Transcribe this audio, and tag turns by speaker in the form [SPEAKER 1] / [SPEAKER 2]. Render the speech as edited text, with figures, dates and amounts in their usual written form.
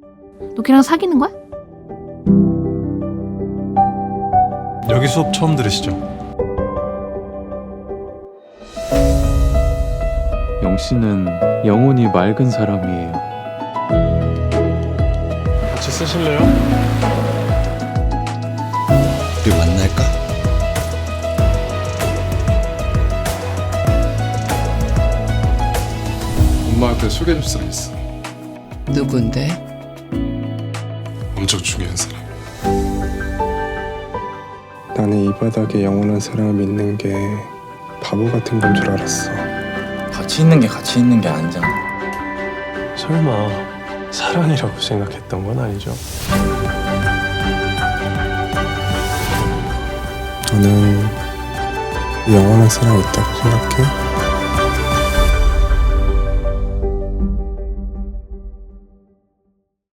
[SPEAKER 1] 너 걔랑 사귀는 거야?
[SPEAKER 2] 여기 수업 처음 들으시죠?
[SPEAKER 3] 영씨는 영혼이 맑은 사람이에요.
[SPEAKER 2] 같이 쓰실래요?
[SPEAKER 4] 우리 만날까?
[SPEAKER 2] 엄마한테 소개해줄 사람 있어.
[SPEAKER 5] 누군데?
[SPEAKER 2] 엄청 중요한 사람.
[SPEAKER 6] 나는 이 바닥에 영원한 사랑을 믿는 게 바보 같은 건 줄 알았어.
[SPEAKER 4] 같이 있는 게 같이 있는 게 아니잖아.
[SPEAKER 2] 설마 사랑이라고 생각했던 건 아니죠?
[SPEAKER 6] 너는 영원한 사랑 있다고 생각해?